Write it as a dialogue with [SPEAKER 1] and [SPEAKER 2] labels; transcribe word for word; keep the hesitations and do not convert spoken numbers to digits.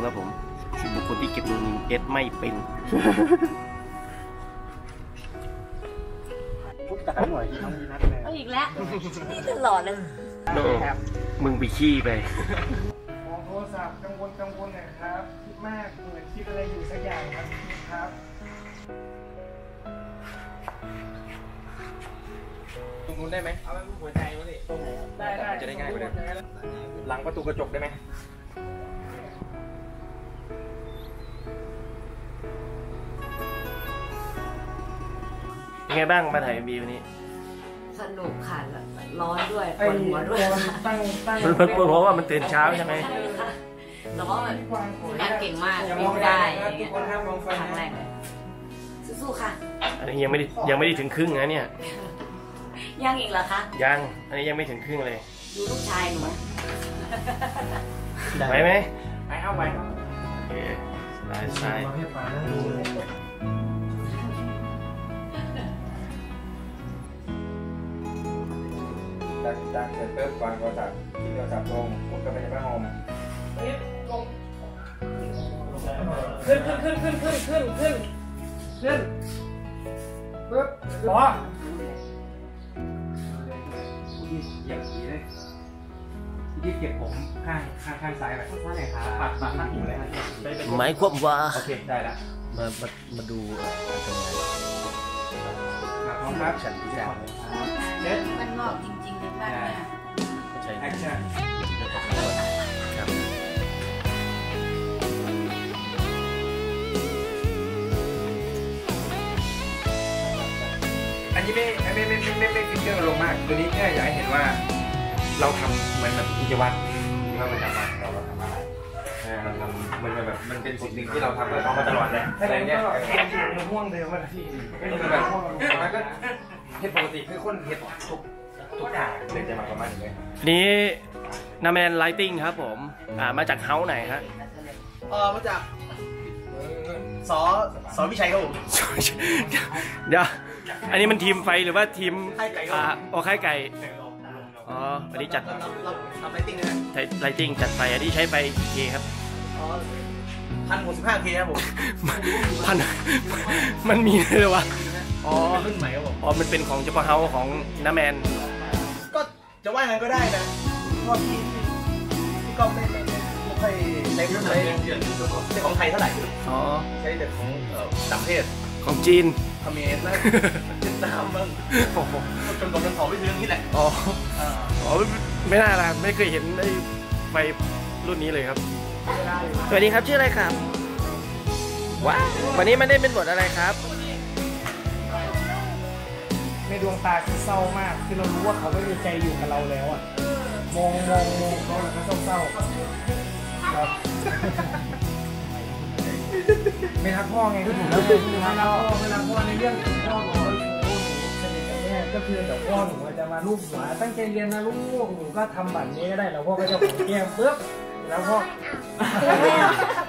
[SPEAKER 1] ครับผมบุคคลที่เก็บเงินเก็ตไม่เป็น
[SPEAKER 2] พุทธะหน่อยที่น้องมีนัดเลย
[SPEAKER 3] อีกแล้วนี่ตลอดเลย
[SPEAKER 1] โนมึงไปขี้ไป
[SPEAKER 2] มองโทรศัพท์กังวลกังวลหน่อยครับคิดมากเหมือนคิดอะไรอยู่สักอย่างครับครับ
[SPEAKER 4] ตรงนู้นได้ไหมเอาไว้หัวใจวะนี่ได้ได้จะได้ง่ายกว่าเดิมหลังประตูกระจกได้ไหม
[SPEAKER 1] เป็นไงบ้างมาถ่ายเอ็มวีวันนี้
[SPEAKER 3] สนุกค่ะร้อนด้วยปวดหัวด้วย
[SPEAKER 2] ตั้งตั้ง
[SPEAKER 1] มันปวดหัวว่ามันตื่นเช้าใช่ไหม
[SPEAKER 3] แล้วก็แบบงานเก่งมากวิ่งได้ครั้งแรกเลยสู้ๆค่ะ
[SPEAKER 1] อันนี้ยังไม่ได้ยังไม่ได้ถึงครึ่งนะเนี่ย
[SPEAKER 3] ยังอีกเหรอคะ
[SPEAKER 1] ยังอันนี้ยังไม่ถึงครึ่งเลย
[SPEAKER 3] ดูลูกชายหนู
[SPEAKER 1] ไปไหม
[SPEAKER 4] ไปเอาไป
[SPEAKER 1] โอเคสายสาย
[SPEAKER 4] จากจากเสร็จปุ๊บวางโทรศัพท์ทิ้งโทรศัพท์ลงมุดเข้าไปในผ้าห่ม
[SPEAKER 2] ขึ้นขึ้นขึ้นขึ้นขึ้นขึ้นขึ้นขึ้นปึ๊บพอเหยียบสีเลยที่เก็บผมข้างข้างข้างซ้ายไปข้างซ้ายไหนครับปัดปัดข้างหูเลยครับ
[SPEAKER 1] หมายความว่า
[SPEAKER 4] โอเคได้ละ
[SPEAKER 1] มามามาดูการทำงาน
[SPEAKER 4] มาพร้อมครับฉันพิจารณา
[SPEAKER 3] เด็ดมันงอกจริงๆเลยบ้านเนี่ย
[SPEAKER 1] ใช่
[SPEAKER 4] แอคชั่น
[SPEAKER 1] ครับ
[SPEAKER 4] อันนี้ไม่ไม่ไม่ไม่ไม่ไม่ฟิกเกอร์ลงมากตัวนี้แค่อยากให้เห็นว่าเราทำเหมือนแบบกิจวัตรที่เราประจำวันเราทำอะไรเราทำมันแบบมันเป็นสิ่งหนึ่งที่เราทำเราทำมาตลอดเลยอะไรเงี้ย
[SPEAKER 2] มันห่วงเดิมมาที่
[SPEAKER 4] ก็คือแบบมันก็เห็ดปกติคือคนเห็ดทุกทุกอย่างเลยจะมาประมาณนี้
[SPEAKER 1] นี้นาแมนไลติ้งครับผมอ่ามาจากเฮาส์ไหนฮะ
[SPEAKER 5] เออมาจากสอสอวิชัยครับผม
[SPEAKER 1] เดี๋ยวอันนี้มันทีมไฟหรือว่าทีม
[SPEAKER 5] ไข่ไก่
[SPEAKER 1] อ่าโอ้ไข่ไก่อ๋อวันนี้จัด
[SPEAKER 5] เราทำไลติ้งนะ
[SPEAKER 1] ไลติ้งจัดไฟอันนี้ใช้ไฟกี่เคครับ
[SPEAKER 5] อ๋อพันหกสิบห้าเคครับผม
[SPEAKER 1] พันมันมีเลยวะอ๋อ
[SPEAKER 5] รุ่นใหม่ครับผม
[SPEAKER 1] อ๋อมันเป็นของเฉพาะเฮาส์ของน้าแมน
[SPEAKER 5] ก็จะว่างั้นก็ได้นะเพราะพี่พี่ก็ไม่ไม่ไม่ค่อยใช้รุ่นไหนใช้ของไทยเท่าไหร่
[SPEAKER 1] อ๋อ
[SPEAKER 5] ใช้แต่ของต่างประเทศ
[SPEAKER 1] ของจีน
[SPEAKER 5] เขมรนะเวียดนามมั้งจนกว่ามันของไปถึงนี่แหละ
[SPEAKER 1] อ๋ออ๋อไม่น่าละไม่เคยเห็นไอ้ไฟรุ่นนี้เลยครับสวัสดีครับชื่ออะไรครับว้าวันนี้มันได้เป็นบทอะไรครับ
[SPEAKER 2] ในดวงตาคือเศร้ามากคือเรารู้ว่าเขาไม่มีใจอยู่กับเราแล้วอ่ะมองมองมองเขาแล้วก็เศร้าครับไม่รักพ่อไงก็ถูกแล้วไม่รักพ่อไม่รักพ่อในเรื่องของพ่อของเราสนิทกับแม่ก็คือเดี๋ยวพ่อหนูจะมาลูบหัวตั้งใจเรียนนะลูกหนูก็ทำแบบนี้ก็ได้แล้วพ่อก็จะผมแก้มปึ๊บแล้วพ่อ